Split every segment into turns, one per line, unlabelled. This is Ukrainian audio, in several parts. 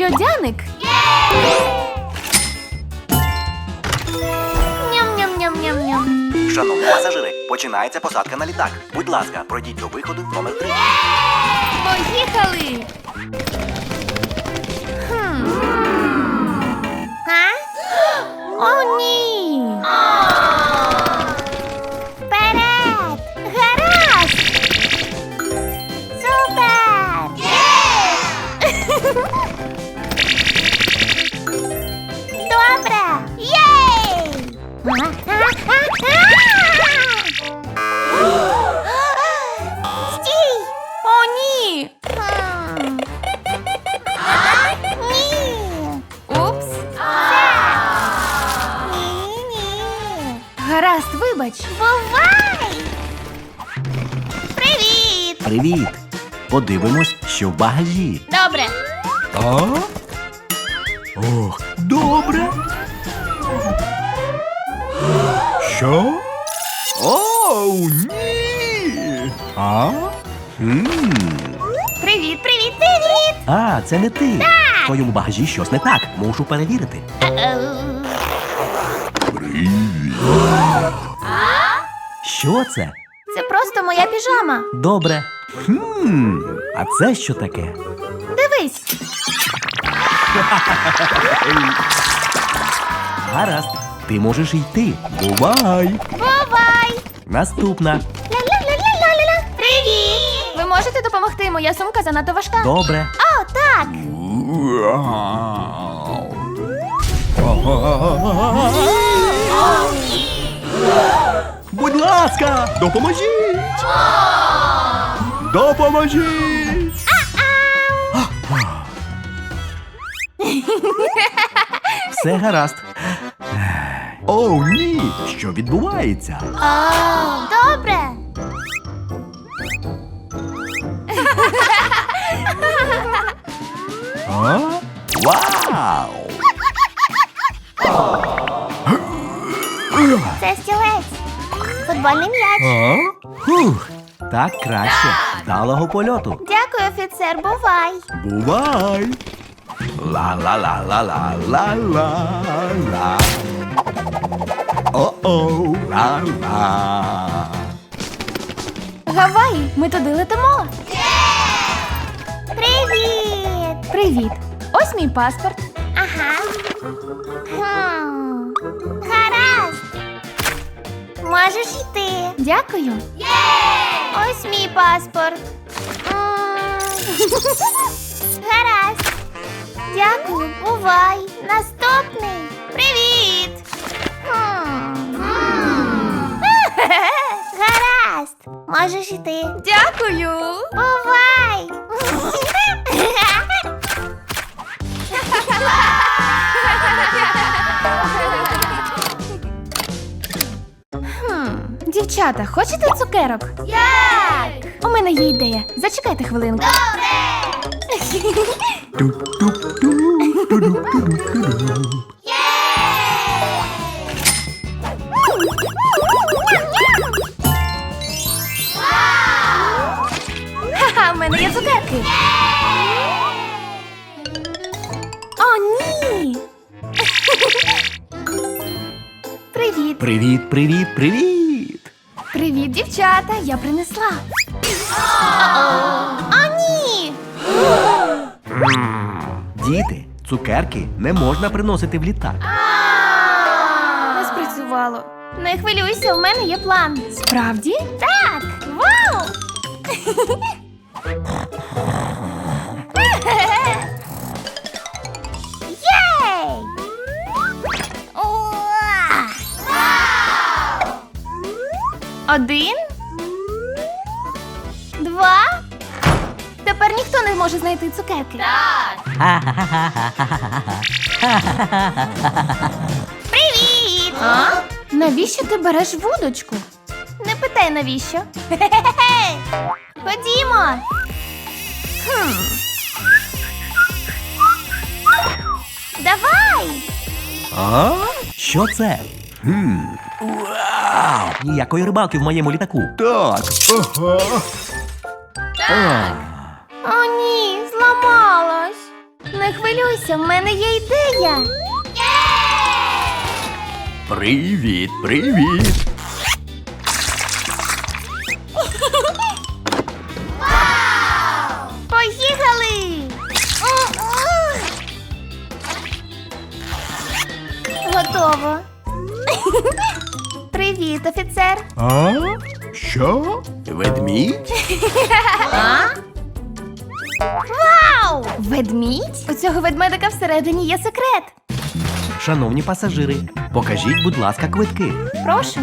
Льодяник. Ням-ням-ням-ням-ням.
Шановні пасажири, починається посадка на літак. Будь ласка, пройдіть до виходу номер 3.
Поїхали! О, ні!
Вперед! Гаразд! Супер! Добре! Єй! Стій!
О, ні!
Ні!
Упс!
Ні-ні!
Гаразд, вибач.
Бувай! Привіт!
Привіт! Подивимось, що в багажі.
Добре!
А? Ох, добре. Що? Оу, ні! А?
Привіт, привіт, привіт!
А, це не ти. В твоєму багажі щось не так. Мушу перевірити. Що це?
Це просто моя піжама.
Добре. А це що таке?
Дивись.
Гаразд. Ти можеш йти. Бувай.
Бувай!
Наступна.
Ля-ля-ля-ля-ля-ля! Привіт!
Ви можете допомогти? Моя сумка занадто важка.
Добре.
О, так!
Будь ласка, допоможіть! Допоможіть! Все гаразд. О, ні! Що відбувається?
Добре!
А? Вау!
Це стілець. Футбольний м'яч.
А? Фух, так краще. Вдалого польоту.
Дякую, офіцер, бувай.
Бувай! Ла-ла-ла-ла-ла-ла-ла-ла. О-оу, ла-ла.
Гаваї, ми туди летимо.
Привіт!
Привіт. Ось мій паспорт.
Ага. Гаразд. Можеш йти.
Дякую.
Ось мій паспорт. Гаразд. Дякую, бувай. Наступний. Привіт. Гаразд. Можеш йти.
Дякую.
Бувай.
Дівчата, хочете цукерок?
Як?
У мене є ідея. Зачекайте хвилинку. Ха-ха, у мене є цукерки. О, ні. Привіт.
Привіт, привіт, привіт!
Привіт, дівчата. Я принесла.
О, ні!
Діти, цукерки не можна приносити в літак.
Не спрацювало.
Не хвилюйся, у мене є план.
Справді?
Так! Вау! Єй! Уа!
Один.
Два.
Тепер ніхто не може знайти цукерки.
Привіт!
А? Навіщо ти береш вудочку?
Не питай, навіщо. Хе-хе-хе! Ходімо. Давай!
А? Що це? Вау! Ніякої рибалки в моєму літаку. Так. Ага.
О, ні, зламалась.
Не хвилюйся, в мене є ідея.
Привіт, привіт.
Поїхали!
Готово. Привіт, офіцер.
А? Що? Ведмідь?
Вау! Ведмідь? У цього ведмедика всередині є секрет.
Шановні пасажири, покажіть, будь ласка, квитки.
Прошу.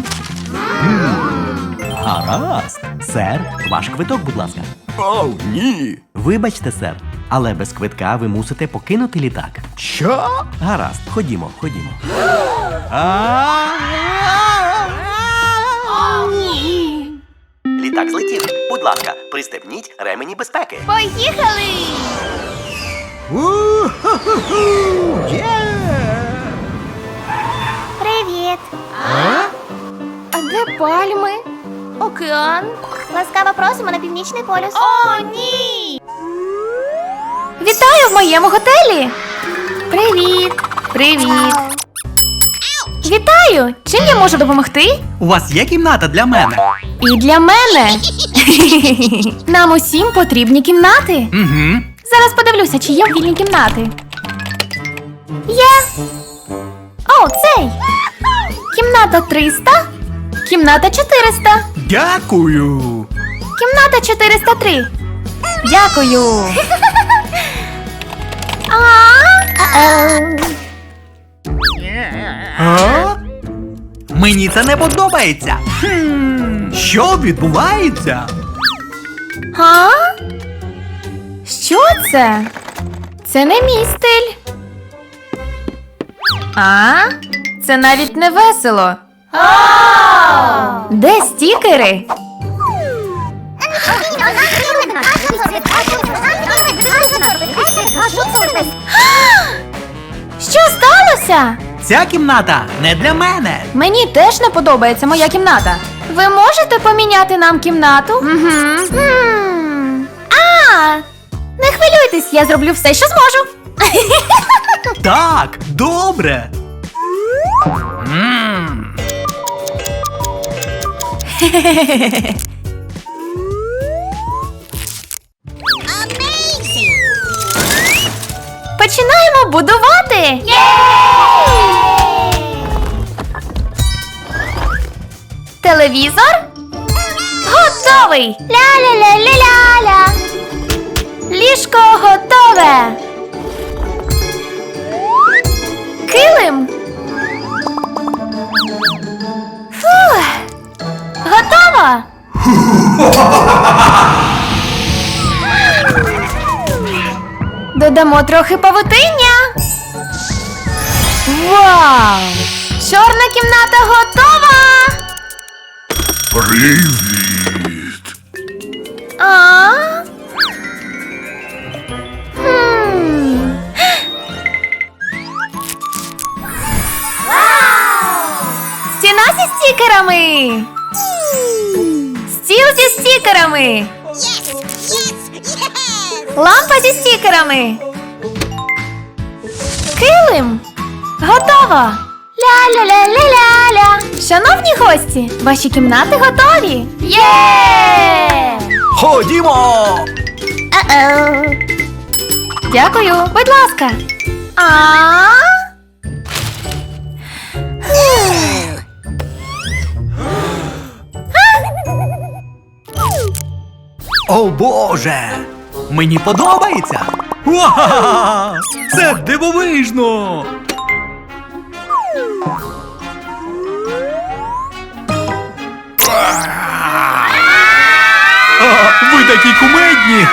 Гаразд. Сер, ваш квиток, будь ласка. О, ні. Вибачте, сер, але без квитка ви мусите покинути літак. Що? Гаразд, ходімо, ходімо. Літак злетів. Будь ласка, пристебніть ремені безпеки.
Поїхали! Привіт!
А де пальми? Океан?
Ласкаво просимо на Північний полюс.
О, ні! Вітаю в моєму готелі! Привіт! Привіт! Вітаю! Чим я можу допомогти?
У вас є кімната для мене?
І для мене! Нам усім потрібні кімнати.
Угу.
Зараз подивлюся, чи є вільні кімнати. Є! О, цей! Кімната 300. Кімната 400.
Дякую.
Кімната 403. Дякую.
А? Мені це не подобається. Що відбувається?
А? Що це? Це не мій стиль. А? Це навіть не весело. Де стікери? Що сталося?
Ця кімната не для мене.
Мені теж не подобається моя кімната. Ви можете поміняти нам кімнату? Угу. Не хвилюйтесь, я зроблю все, що зможу.
Так, добре.
Починаємо будувати. Телевізор готовий.
Ля-ля-ля-ля-ля-ля.
Ліжко готове. Килим. Фух. Готово. Додамо трохи павутиння. Вау! Чорна кімната готова.
Привіт.
А? Хм. Стіна зі стікерами. Стіл зі стікерами. Лампа зі стікерами. Килим. Готово. Ля-ля-ля-ля-ля-ля. Шановні гості, ваші кімнати готові. Є!
Ходімо.
Дякую, будь ласка.
О Боже! Мені подобається! Вау! Це дивовижно! Ви такі кумедні!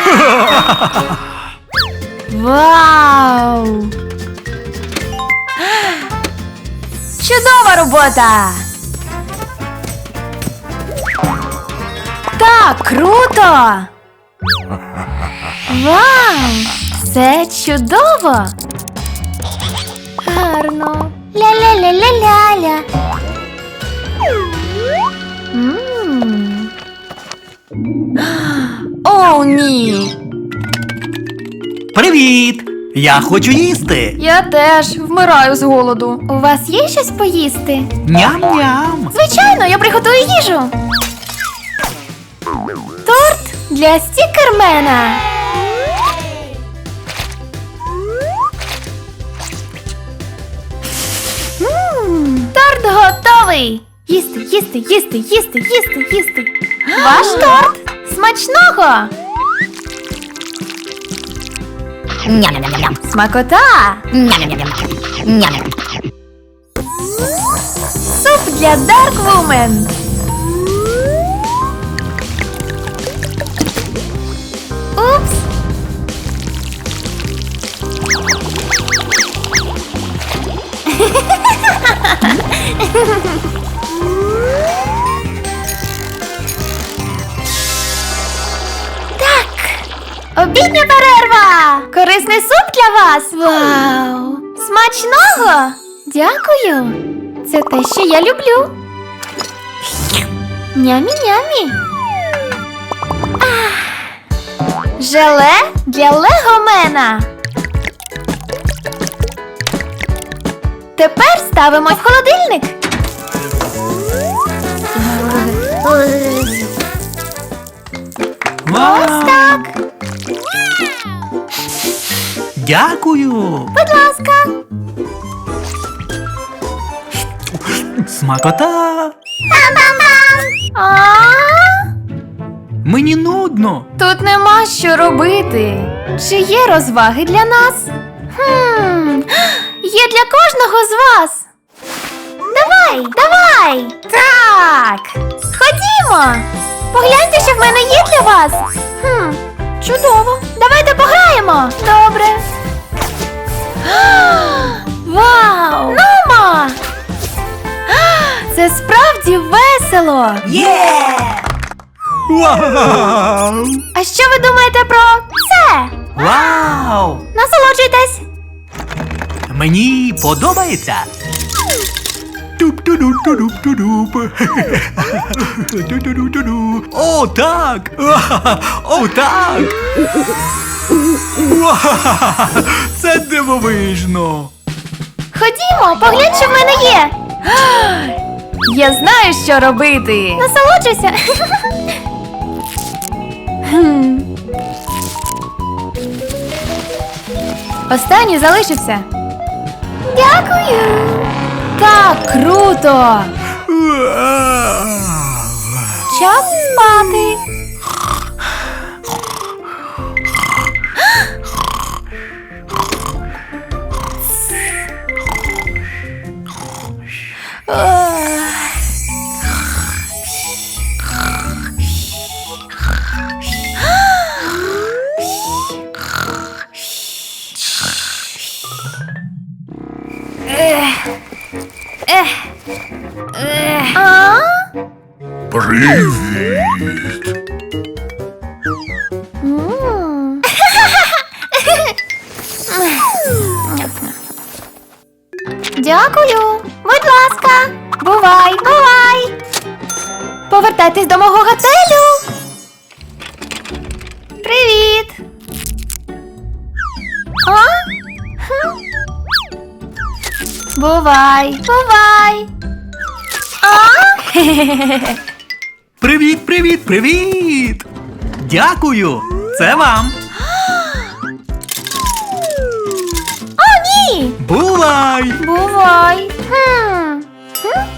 Вау! Чудова робота! Так, круто! Вау! Це чудово! Гарно!
Ля-ля-ля-ля-ля-ля.
О, ні!
Привіт! Я хочу їсти.
Я теж вмираю з голоду. У вас є щось поїсти?
Ням-ням.
Звичайно, я приготую їжу. Торт для стікермена. Торт готовий. Їсти, їсти, їсти, їсти, їсти, їсти. Ваш торт. Смачного. Смакота. Суп для Dark Woman. Упс. Так. Обідня перерва. Корисний суп для вас. Вау. Смачного. Дякую. Це те, що я люблю. Нямі-нямі. Желе для легомена. Тепер ставимо в холодильник. Ось так.
Дякую.
Будь ласка.
Смакота.
А?
Мені нудно.
Тут нема що робити. Чи є розваги для нас? Є для кожного з вас. Давай, давай. Так. Ходімо. Погляньте, що в мене є для вас. Чудово. Давайте пограємо. Добре. Вау! Нумо! Це справді весело.
Вау!
А що ви думаєте про це?
Вау!
Насолоджуйтесь.
Мені подобається. Туп-ту-ду-ту-дуп-ту-дуп. Ту-ту-ду-ту-ду. О, так! О, так! Вау! Це дивовижно!
Ходімо, поглянь, що в мене є. Я знаю, що робити. Насолоджуйся. Останній залишився. Дякую. Так круто. Час спати. А? М. Дякую. Будь ласка. Бувай, бувай. Повертайтесь до мого готелю. Привіт. А? Хм. Бувай, бувай. А?
Привіт, привіт, привіт! Дякую! Це вам!
О, ні!
Бувай!
Бувай. Хм.